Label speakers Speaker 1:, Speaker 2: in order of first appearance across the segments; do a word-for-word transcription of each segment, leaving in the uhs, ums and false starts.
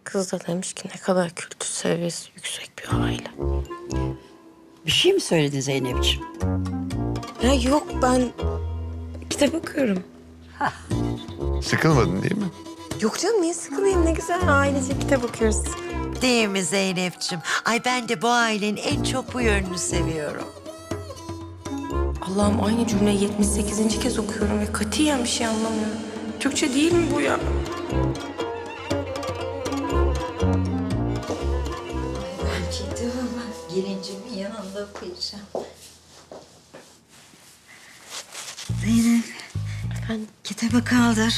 Speaker 1: Kız da demiş ki ne kadar kültür seviyesi yüksek bir aile.
Speaker 2: Bir şey mi söyledin Zeynep'ciğim?
Speaker 1: Ya yok ben kitap okuyorum.
Speaker 3: Sıkılmadın değil mi?
Speaker 1: Yok canım niye sıkılayım ne güzel ailece kitap okuyoruz.
Speaker 4: Değil mi Zeynep'ciğim? Ay ben de bu ailenin en çok bu yönünü seviyorum.
Speaker 1: Allah'ım aynı cümleyi yetmiş sekizinci kez okuyorum ve katiyen bir şey anlamıyorum. Türkçe değil mi bu ya?
Speaker 2: Ben kitabımı gelincimin yanında okuyacağım. Zeynep,
Speaker 1: Efendim?
Speaker 2: kitabı kaldır.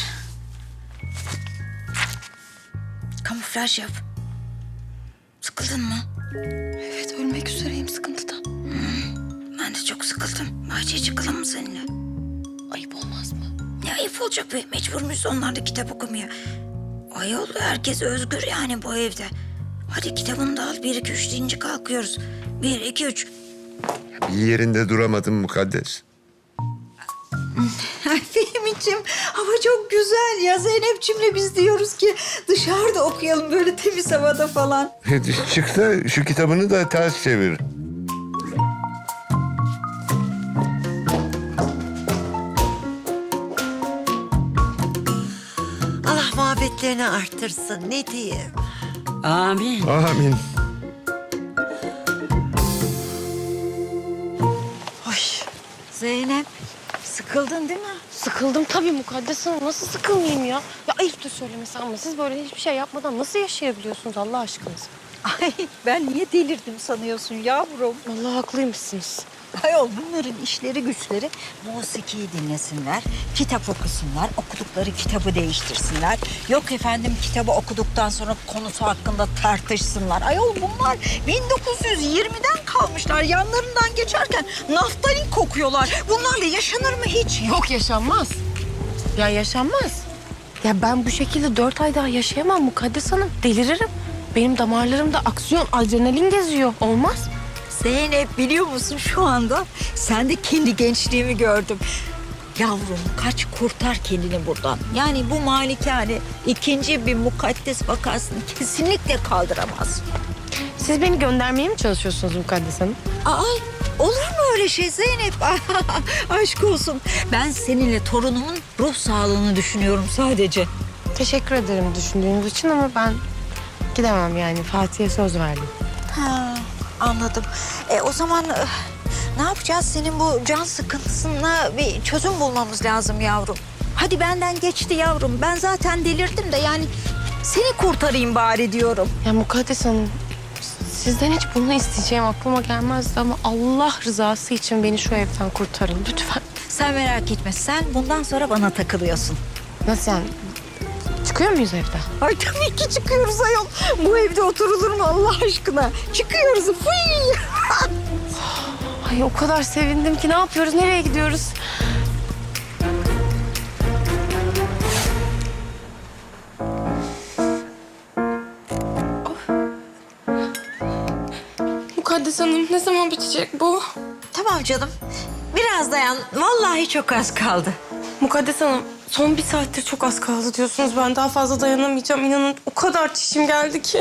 Speaker 2: Kamuflaj yap. Sıkıldın mı?
Speaker 1: Evet ölmek üzereyim sıkıntıdan.
Speaker 2: Ben de çok sıkıldım. Bahçeye çıkalım mı seninle?
Speaker 1: Ayıp olmaz mı?
Speaker 2: Ne ayıp olacak be? Mecbur muyuz onlar da kitap okumaya? Ayol herkes özgür yani bu evde. Hadi kitabını da al. Bir, iki, üç deyince kalkıyoruz. Bir, iki, üç.
Speaker 3: Bir yerinde duramadın mukaddes.
Speaker 2: Ay Fehmi'ciğim hava çok güzel ya. Zeynep'cimle biz diyoruz ki dışarıda okuyalım böyle temiz havada falan.
Speaker 3: Çık da şu kitabını da ters çevir.
Speaker 4: Allah muhabbetlerini arttırsın ne diyeyim.
Speaker 2: Amin.
Speaker 3: Amin.
Speaker 2: Zeynep sıkıldın değil mi?
Speaker 1: Sıkıldım tabii Mukaddes Hanım. Nasıl sıkılmayayım ya? Ya ayıp da söylemesi ama siz böyle hiçbir şey yapmadan nasıl yaşayabiliyorsunuz Allah aşkınıza?
Speaker 2: Ay ben niye delirdim sanıyorsun yavrum?
Speaker 1: Vallahi haklıymışsınız.
Speaker 2: Ayol bunların işleri güçleri musikiyi dinlesinler, kitap okusunlar, okudukları kitabı değiştirsinler. Yok efendim kitabı okuduktan sonra konusu hakkında tartışsınlar. Ayol bunlar bin dokuz yüz yirmiden kalmışlar. Yanlarından geçerken naftalin kokuyorlar. Bunlarla yaşanır mı hiç?
Speaker 1: Yok yaşanmaz. Ya yaşanmaz. Ya ben bu şekilde dört ay daha yaşayamam Mukaddes Hanım. Deliririm. Benim damarlarımda aksiyon, adrenalin geziyor. Olmaz.
Speaker 2: Zeynep biliyor musun şu anda sen de kendi gençliğimi gördüm. Yavrum kaç kurtar kendini buradan. Yani bu malikane ikinci bir mukaddes vakasını kesinlikle kaldıramaz.
Speaker 1: Siz beni göndermeye mi çalışıyorsunuz Mukaddes Hanım?
Speaker 2: Ay olur mu öyle şey Zeynep? Aşk olsun. Ben seninle torunumun ruh sağlığını düşünüyorum sadece.
Speaker 1: Teşekkür ederim düşündüğünüz için ama ben gidemem yani. Fatih'e söz verdim.
Speaker 2: Ha, anladım. E, o zaman e, ne yapacağız? Senin bu can sıkıntısına bir çözüm bulmamız lazım yavrum. Hadi benden geçti yavrum. Ben zaten delirdim de yani seni kurtarayım bari diyorum.
Speaker 1: Ya Mukaddes Hanım, sizden hiç bunu isteyeceğim aklıma gelmezdi ama Allah rızası için beni şu evden kurtarın lütfen.
Speaker 2: Sen merak etme. Sen bundan sonra bana takılıyorsun.
Speaker 1: Nasıl yani? Çıkıyor muyuz evden?
Speaker 2: Ay tabii ki çıkıyoruz ayol. Bu evde oturulur mu Allah aşkına? Çıkıyoruz. Fıy!
Speaker 1: Ay o kadar sevindim ki ne yapıyoruz, nereye gidiyoruz? Mukaddes Hanım ne zaman bitecek bu?
Speaker 2: Tamam canım. Biraz dayan. Vallahi çok az kaldı.
Speaker 1: Mukaddes Hanım son bir saattir çok az kaldı diyorsunuz. Ben daha fazla dayanamayacağım. İnanın o kadar çişim geldi ki.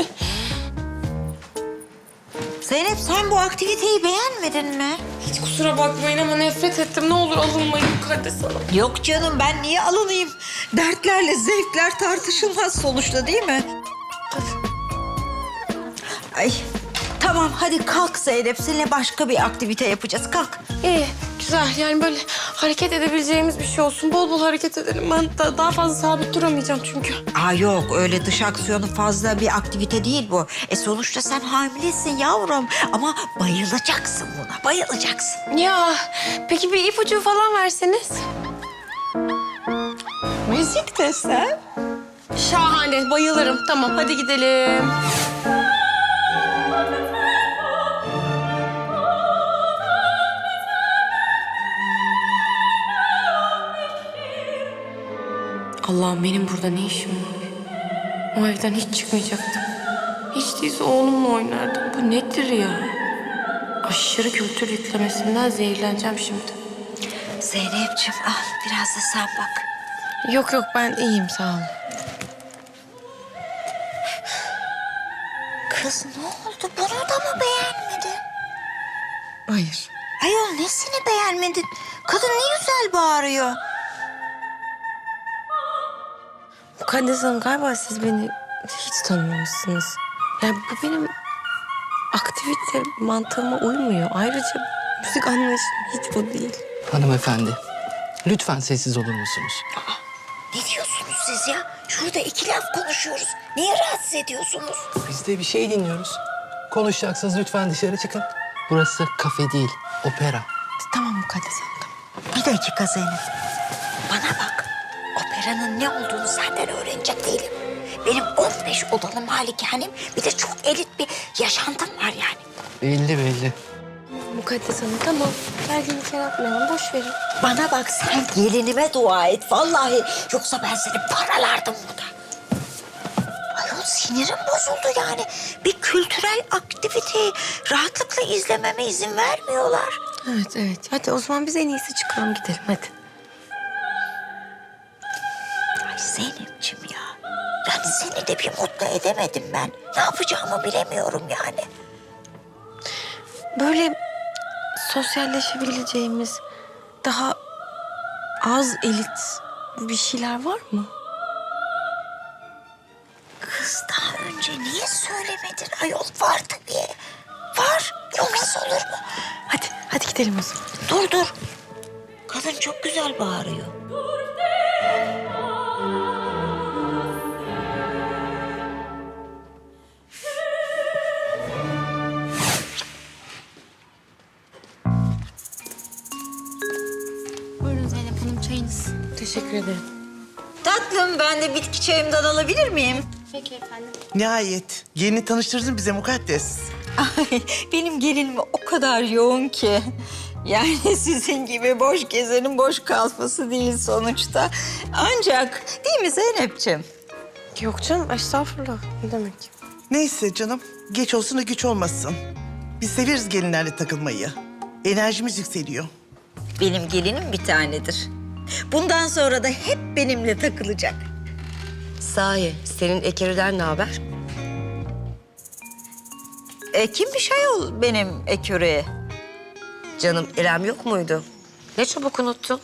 Speaker 2: Zeynep sen bu aktiviteyi beğenmedin mi?
Speaker 1: Hiç kusura bakmayın ama nefret ettim. Ne olur alınmayın Mukaddes Hanım.
Speaker 2: Yok canım ben niye alınayım? Dertlerle zevkler tartışılmaz sonuçta değil mi? Ay tamam hadi kalk Zeynep. Seninle başka bir aktivite yapacağız. Kalk.
Speaker 1: İyi, güzel. Yani böyle hareket edebileceğimiz bir şey olsun. Bol bol hareket edelim. Ben da, daha fazla sabit duramayacağım çünkü.
Speaker 2: Aa yok öyle dış aksiyonu fazla bir aktivite değil bu. E sonuçta sen hamilesin yavrum. Ama bayılacaksın buna bayılacaksın.
Speaker 1: Ya peki bir ipucu falan verseniz.
Speaker 2: Müzik desem.
Speaker 1: Şahane, bayılırım. Tamam, hadi gidelim. Allah'ım benim burada ne işim var? O evden hiç çıkmayacaktım. Hiç değilse oğlumla oynardım. Bu nedir ya? Aşırı kültür yüklemesinden zehirleneceğim şimdi.
Speaker 2: Zeynep'ciğim al biraz da sen bak.
Speaker 1: Yok yok ben iyiyim sağ olun.
Speaker 2: Kız ne oldu? Bunu da mı beğenmedin?
Speaker 1: Hayır.
Speaker 2: Ayol nesini beğenmedin? Kadın ne güzel bağırıyor.
Speaker 1: Mukaddes Hanım galiba siz beni hiç tanımamışsınız. Yani bu benim aktivite mantığıma uymuyor. Ayrıca müzik anlayışım hiç bu değil.
Speaker 5: Hanımefendi, lütfen sessiz olur musunuz?
Speaker 2: Ne diyorsunuz siz ya? Şurada iki laf konuşuyoruz. Niye rahatsız ediyorsunuz?
Speaker 5: Biz de bir şey dinliyoruz. Konuşacaksınız lütfen dışarı çıkın. Burası kafe değil, opera.
Speaker 1: Tamam Mukaddes Hanım, tamam.
Speaker 2: Bir dakika Zeynep. Bana bak. Operanın ne olduğunu senden öğrenecek değilim. Benim on beş odalı malikanem, bir de çok elit bir yaşantım var yani.
Speaker 5: Belli belli.
Speaker 1: Mukaddes Hanım tamam. Gerginlik yaratmayalım, boş verin.
Speaker 2: Bana bak sen gelinime dua et vallahi. Yoksa ben seni paralardım burada. Ayol sinirim bozuldu yani. Bir kültürel aktiviteyi rahatlıkla izlememe izin vermiyorlar.
Speaker 1: Evet, evet. Hadi o zaman biz en iyisi çıkalım gidelim, hadi.
Speaker 2: Ay Zeynep'ciğim ya. Yani seni de bir mutlu edemedim ben. Ne yapacağımı bilemiyorum yani.
Speaker 1: Böyle sosyalleşebileceğimiz, daha az elit bir şeyler var mı?
Speaker 2: Kız daha önce niye söylemedin ayol? Var tabii. Var. Olmaz olur mu?
Speaker 1: Hadi, hadi gidelim o zaman.
Speaker 2: Dur dur. Kadın çok güzel bağırıyor.
Speaker 1: Buyurun Zeynep Hanım, çayınız. Teşekkür ederim.
Speaker 2: Tatlım ben de bitki çayımdan alabilir miyim?
Speaker 1: Peki efendim.
Speaker 6: Nihayet. Yeni tanıştırdın bize Mukaddes.
Speaker 2: Ay, benim gelinim o kadar yoğun ki. Yani sizin gibi boş gezenin boş kalması değil sonuçta. Ancak değil mi Zeynep'ciğim?
Speaker 1: Yok canım, estağfurullah. Ne demek?
Speaker 6: Neyse canım. Geç olsun da güç olmasın. Biz severiz gelinlerle takılmayı. Enerjimiz yükseliyor.
Speaker 2: Benim gelinim bir tanedir. Bundan sonra da hep benimle takılacak.
Speaker 7: Sahi, senin Ekeri'den ne haber?
Speaker 2: E, kimmiş ayol benim eküreye?
Speaker 7: Canım, İrem yok muydu? Ne çabuk unuttun.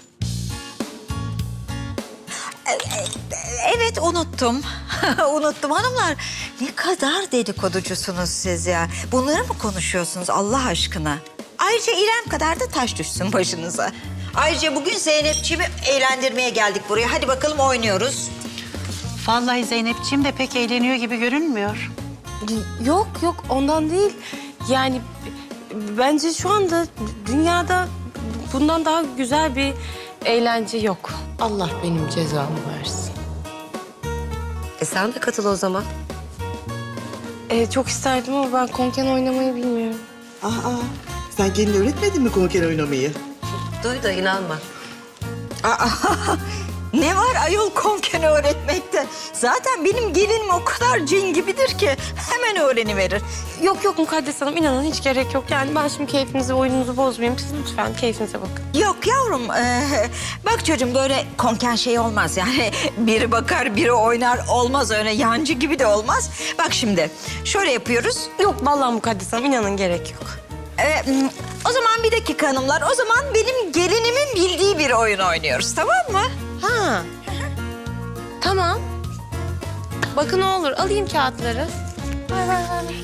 Speaker 2: Evet unuttum. unuttum hanımlar. Ne kadar dedikoducusunuz siz ya. Bunları mı konuşuyorsunuz Allah aşkına? Ayrıca İrem kadar da taş düşsün başınıza. Ayrıca bugün Zeynep'ciğimi eğlendirmeye geldik buraya. Hadi bakalım oynuyoruz.
Speaker 8: Vallahi Zeynepciğim de pek eğleniyor gibi görünmüyor.
Speaker 1: Yok yok, ondan değil. Yani b- bence şu anda dünyada bundan daha güzel bir eğlence yok. Allah benim cezamı versin.
Speaker 7: E sen de katıl o zaman.
Speaker 1: Ee, çok isterdim ama ben konken oynamayı bilmiyorum.
Speaker 6: Aa, sen gelin öğretmedin mi konker oynamayı?
Speaker 7: Duy da inanma.
Speaker 2: Aa, ne var ayol konken öğretmekte? Zaten benim gelinim o kadar cin gibidir ki hemen öğreniverir.
Speaker 1: Yok yok Mukaddes Hanım, inanın hiç gerek yok. Yani ben şimdi keyfinizi, oyununuzu bozmayayım. Siz lütfen keyfinize bakın.
Speaker 2: Yok yavrum, ee, bak çocuğum böyle konken şey olmaz yani. Biri bakar, biri oynar olmaz öyle yancı gibi de olmaz. Bak şimdi şöyle yapıyoruz.
Speaker 1: Yok vallahi Mukaddes Hanım, inanın gerek yok.
Speaker 2: Ee, o zaman bir dakika hanımlar, o zaman benim gelinimin bildiği bir oyun oynuyoruz tamam mı?
Speaker 1: Ha. Tamam. Bakın ne olur, alayım kağıtları. Ver ver ver.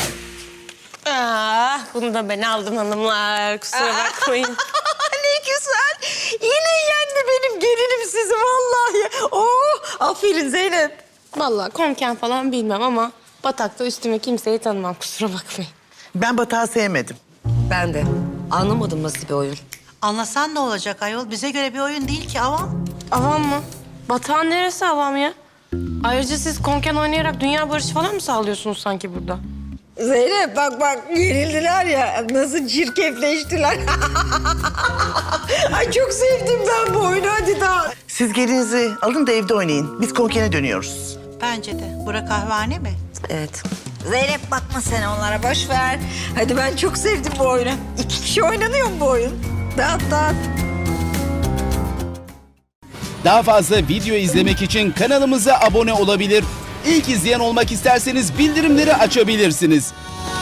Speaker 1: Ah, bunu da ben aldım hanımlar. Kusura bakmayın.
Speaker 2: Ne güzel. Yine yendi benim gelinim sizi vallahi. Oh, aferin Zeynep.
Speaker 1: Vallahi konken falan bilmem ama batakta üstüme kimseyi tanımam. Kusura bakmayın.
Speaker 6: Ben batağı sevmedim.
Speaker 7: Ben de. Anlamadım nasıl bir oyun.
Speaker 8: Anlasan ne olacak ayol? Bize göre bir oyun değil ki avam.
Speaker 1: Avam mı? Batağın neresi avam ya? Ayrıca siz konken oynayarak dünya barışı falan mı sağlıyorsunuz sanki burada?
Speaker 2: Zeynep bak bak gerildiler ya nasıl çirkefleştiler. Ay çok sevdim ben bu oyunu hadi daha.
Speaker 6: Siz gelinizi alın da evde oynayın. Biz konkene dönüyoruz.
Speaker 8: Bence de. Bura kahvehane mi?
Speaker 7: Evet.
Speaker 2: Zeynep bakma sen onlara boş ver. Hadi ben çok sevdim bu oyunu. İki kişi oynanıyor mu bu oyun? Dağıt dağıt.
Speaker 9: Daha fazla video izlemek için kanalımıza abone olabilir. İlk izleyen olmak isterseniz bildirimleri açabilirsiniz.